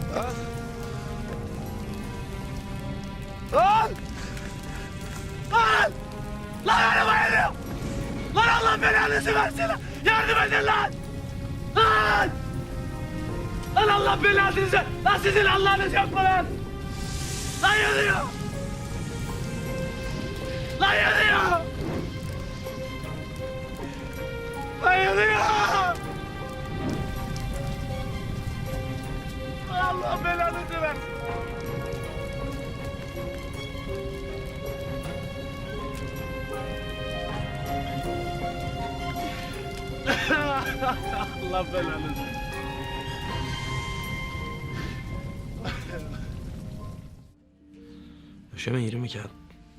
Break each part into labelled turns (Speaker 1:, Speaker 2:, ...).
Speaker 1: Lan! Lan! Lan! Lan araba yanıyor! Lan Allah belanızı versin! Yardım edin lan! Lan! Lan Allah belanızı! Lan sizin Allah'ınız yok mu lan? Lan yanıyor! Lan yanıyor! Lan yanıyor! Allah belanızı versin! Allah belanızı.
Speaker 2: Döşeme 20 kağıt.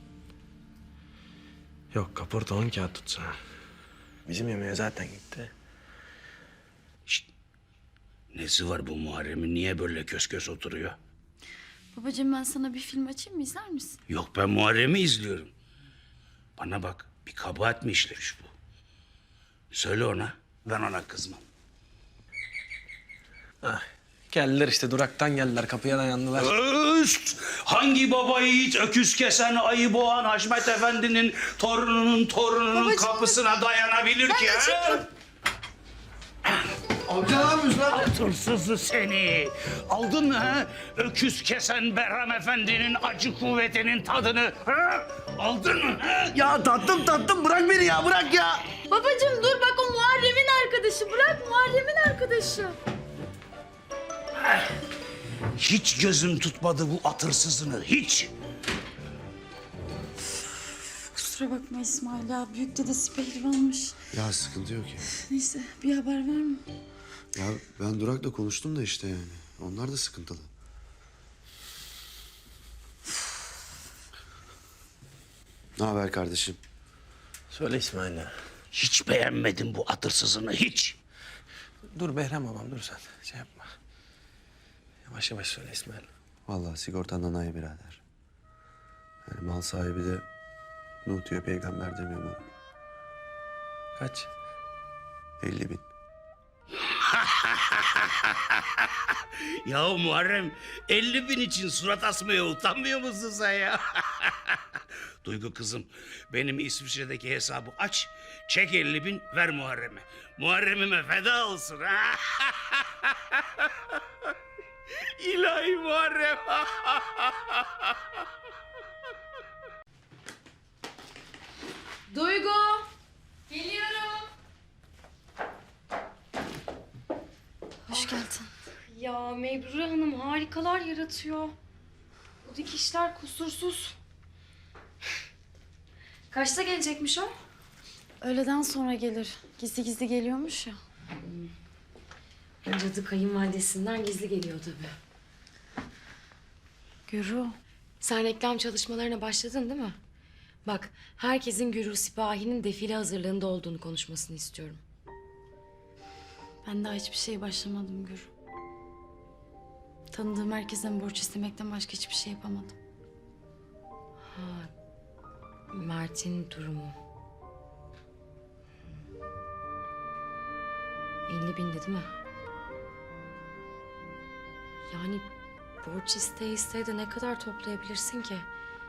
Speaker 2: Yok, kaporta 10 kağıt tutsa. Bizim yemeğe zaten gitti.
Speaker 3: Şişt. Nesi var bu Muharrem'in? Niye böyle kös kös oturuyor?
Speaker 4: Babacığım ben sana bir film açayım mı, izler misin?
Speaker 3: Yok, ben Muharrem'i izliyorum. Bana bak, bir kabahat mi işlemiş bu? Söyle ona, ben ona kızmam.
Speaker 2: Geldiler işte, duraktan geldiler, kapıya dayandılar.
Speaker 3: Öst! Hangi baba yiğit öküz kesen, ayı boğan Haşmet Efendi'nin torununun
Speaker 4: Babacığım,
Speaker 3: kapısına dayanabilir ki? Ha?
Speaker 1: Amca ne yapıyorsun lan?
Speaker 3: Hırsızı seni! Aldın mı ha? Öküz kesen Behram Efendi'nin acı kuvvetinin tadını, ha? Aldın mı ha?
Speaker 1: Ya tattım bırak beni ya bırak ya.
Speaker 4: Babacığım dur bak, o Muharrem'in arkadaşı. Bırak, Muharrem'in arkadaşı.
Speaker 3: Hiç gözüm tutmadı bu at hırsızını, hiç!
Speaker 4: Kusura bakma İsmail ya. Büyük dedesi pehlivanmış.
Speaker 5: Ya sıkıntı yok ya.
Speaker 4: Neyse bir haber var mı?
Speaker 5: Ya ben Durak'la konuştum da işte yani. Onlar da sıkıntılı. Ne haber kardeşim?
Speaker 2: Söyle İsmail'e.
Speaker 3: Hiç beğenmedim bu at hırsızını, hiç!
Speaker 2: Dur Behram babam, dur sen. Şey yapma. Yavaş yavaş söyle İsmail.
Speaker 5: Vallahi sigortandan ay birader. Yani mal sahibi de Nuh diyor, peygamber demiyor mu?
Speaker 2: Kaç?
Speaker 5: 50.000.
Speaker 3: Ya Muharrem, 50.000 için surat asmaya utanmıyor musun sen ya? Duygu kızım, benim İsviçre'deki hesabı aç, çek 50.000, ver Muharrem'e. Muharrem'ime feda olsun. İlahi Muharrem.
Speaker 4: Duygu. Geliyorum. Hoş geldin.
Speaker 6: Ya Mebrure Hanım harikalar yaratıyor. Bu dikişler kusursuz. Kaçta gelecekmiş o?
Speaker 4: Öğleden sonra gelir. Gizli gizli geliyormuş ya.
Speaker 6: Cadı kayınvalidesinden gizli geliyor tabii.
Speaker 4: Gürü.
Speaker 6: Sen reklam çalışmalarına başladın değil mi? Bak, herkesin Gürü Sipahi'nin defile hazırlığında olduğunu konuşmasını istiyorum.
Speaker 4: Ben daha hiçbir şeye başlamadım Gürü. Tanıdığım herkesten borç istemekten başka hiçbir şey yapamadım.
Speaker 6: Mert'in durumu. 50.000'di değil mi? Yani borç isteye isteye de ne kadar toplayabilirsin ki?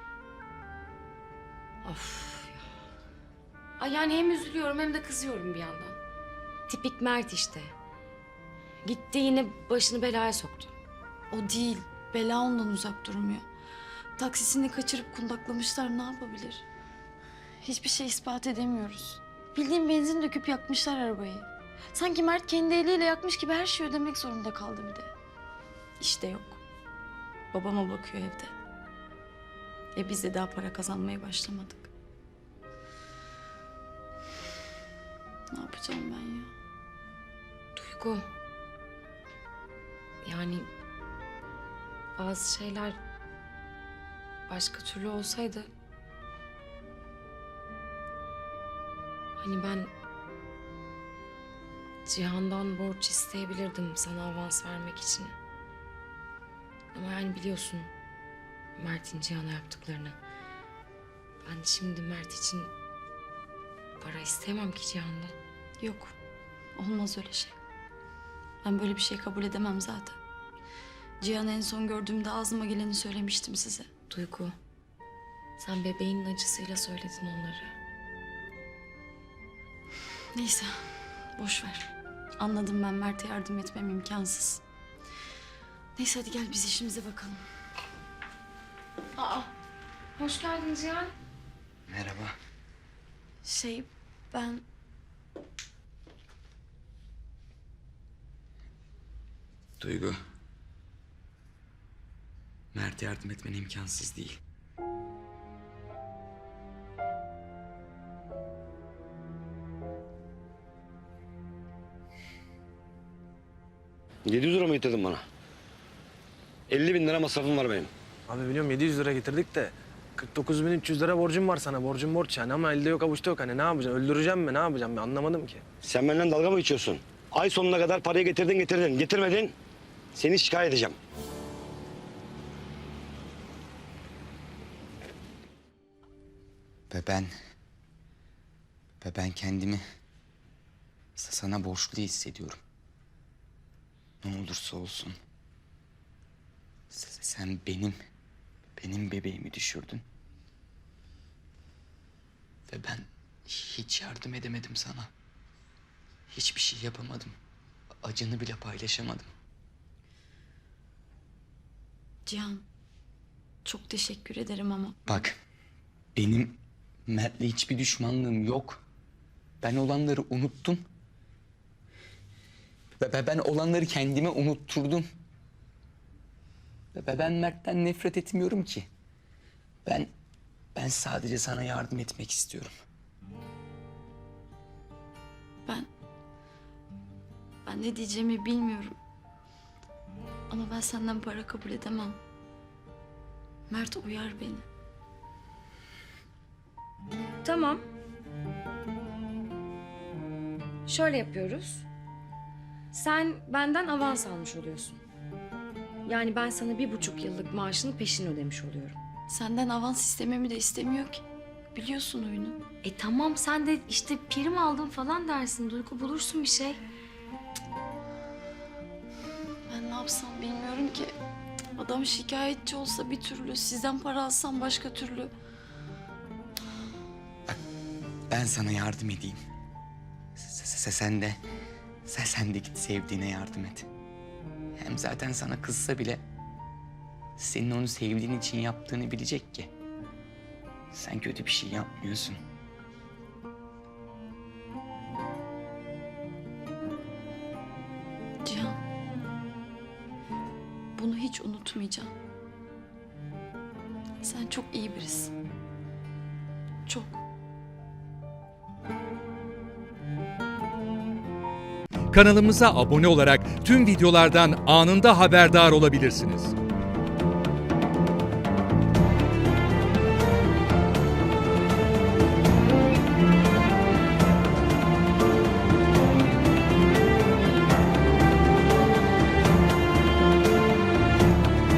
Speaker 6: Of ya. Ay yani hem üzülüyorum hem de kızıyorum bir yandan. Tipik Mert işte. Gitti yine başını belaya soktu.
Speaker 4: O değil. Bela ondan uzak durmuyor. Taksisini kaçırıp kundaklamışlar, ne yapabilir? Hiçbir şey ispat edemiyoruz. Bildiğin benzin döküp yakmışlar arabayı. Sanki Mert kendi eliyle yakmış gibi her şeyi ödemek zorunda kaldı bir de. İşte yok. Babama bakıyor evde. Biz de daha para kazanmaya başlamadık. Ne yapacağım ben ya?
Speaker 6: Duygu. Yani bazı şeyler başka türlü olsaydı... Hani ben Cihan'dan borç isteyebilirdim sana avans vermek için. Ama yani biliyorsun Mert'in Cihan'a yaptıklarını. Ben şimdi Mert için para isteyemem ki Cihan'dan.
Speaker 4: Yok. Olmaz öyle şey. Ben böyle bir şey kabul edemem zaten. Cihan'ı en son gördüğümde ağzıma geleni söylemiştim size.
Speaker 6: Duygu, sen bebeğinin acısıyla söyledin onları.
Speaker 4: Neyse, boş ver. Anladım, ben Mert'e yardım etmem imkansız. Neyse hadi gel biz işimize bakalım.
Speaker 6: Aa, hoş geldin Cihan.
Speaker 5: Merhaba.
Speaker 4: Ben...
Speaker 7: Duygu. Mert'e yardım etmen imkansız değil.
Speaker 8: €700 mı getirdin bana? 50.000 lira masrafım var benim.
Speaker 2: Abi biliyorum 700 lira getirdik de 49.300 lira borcum var sana. Borcum borç yani ama elde yok avuçta yok. Hani ne yapacaksın? Öldüreceğim mi? Ne yapacağım ben anlamadım ki.
Speaker 8: Sen benden dalga mı geçiyorsun? Ay sonuna kadar parayı getirdin. Getirmedin. Seni şikayet edeceğim.
Speaker 7: Ve ben kendimi sana borçlu hissediyorum. Ne olursa olsun. Sen benim bebeğimi düşürdün. Ve ben hiç yardım edemedim sana. Hiçbir şey yapamadım. Acını bile paylaşamadım.
Speaker 4: Cihan, çok teşekkür ederim ama...
Speaker 7: Bak, benim Mert'le hiçbir düşmanlığım yok. Ben olanları unuttum. Ve ben olanları kendime unutturdum. Ve ben Mert'ten nefret etmiyorum ki. Ben sadece sana yardım etmek istiyorum.
Speaker 4: Ben ne diyeceğimi bilmiyorum. Ama ben senden para kabul edemem. Mert uyar beni.
Speaker 6: Tamam. Şöyle yapıyoruz. Sen benden avans almış oluyorsun. Yani ben sana 1,5 yıllık maaşını peşin ödemiş oluyorum.
Speaker 4: Senden avans istememi de istemiyor ki. Biliyorsun oyunu.
Speaker 6: Tamam sen de işte prim aldım falan dersin. Duygu bulursun bir şey.
Speaker 4: Ben ne yapsam bilmiyorum ki. Adam şikayetçi olsa bir türlü, sizden para alsam başka türlü.
Speaker 7: Ben sana yardım edeyim. Sen de git sevdiğine yardım et. Hem zaten sana kızsa bile senin onu sevdiğin için yaptığını bilecek ki. Sen kötü bir şey yapmıyorsun.
Speaker 4: Cihan, bunu hiç unutmayacağım. Sen çok iyi birisin. Çok.
Speaker 9: Kanalımıza abone olarak tüm videolardan anında haberdar olabilirsiniz.